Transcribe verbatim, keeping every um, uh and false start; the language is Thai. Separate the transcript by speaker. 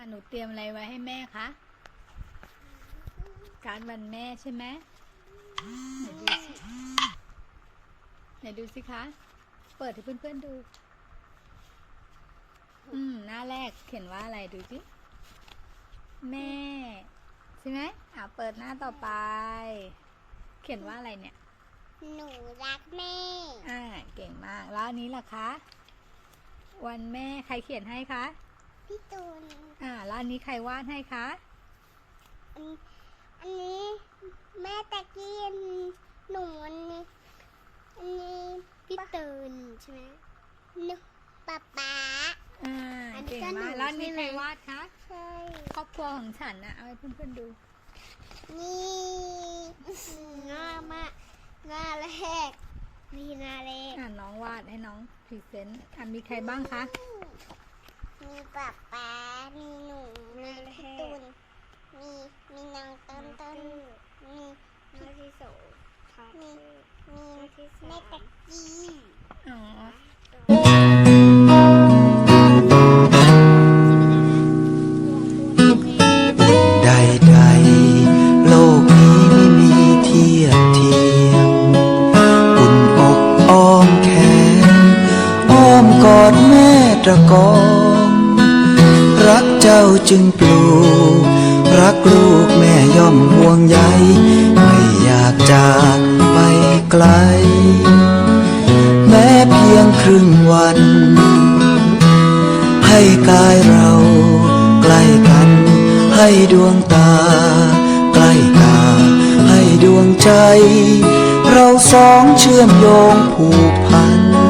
Speaker 1: หนูเตรียมอะไรไว้ให้แม่คะการ์ดวันแม่ใช่ไหมไหนดูสิไหนดูสิคะเปิดให้เพื่อนๆดูอืมหน้าแรกเขียนว่าอะไรดูสิแม่ใช่ไหมอ่ะเปิดหน้าต่อไปเขียนว่าอะไรเนี่ย
Speaker 2: หนูรักแม่
Speaker 1: อ่าเก่งมากแล้วอันนี้ล่ะคะวันแม่ใครเขียนให้คะ
Speaker 2: พี่ตูน
Speaker 1: อ่าแล้วอันนี้ใครวาดให้คะ
Speaker 2: อันอันนี้แม่ตะกี้หนูอันนี้อันนี้พี่ตูนใช่ไหมหนูป๊าป๊า
Speaker 1: อ่าเก่งมากแล้วอันนี้ใครวาดคะ
Speaker 2: ใช่
Speaker 1: ครอบครัวของฉันนะเอาให้เพื่อนๆดู
Speaker 2: นี่ง่ายมากง่ายแรกมีหน้าแรก
Speaker 1: อ่าน้องวาดให้น้องพรีเซนต์อ่ามีใครบ้างคะ
Speaker 2: มีป๊าป๊ามีหนูมีพี่ตูนมีมีนางต้นต้นมีน้องที่โสมีมีแม่ตะกี้
Speaker 1: อ๋อ
Speaker 3: ใดๆโลกนี้ไม่มีเทียบเทียมอุ่นอกอ้อมแขนอ้อมกอดแม่ตะกองรักเจ้าจึงปลูกรักลูกแม่ย่อมห่วงใยไม่อยากจากไปไกลแม้เพียงครึ่งวันให้กายเราใกล้กันให้ดวงตาใกล้ตาให้ดวงใจเราสองเชื่อมโยงผูกพัน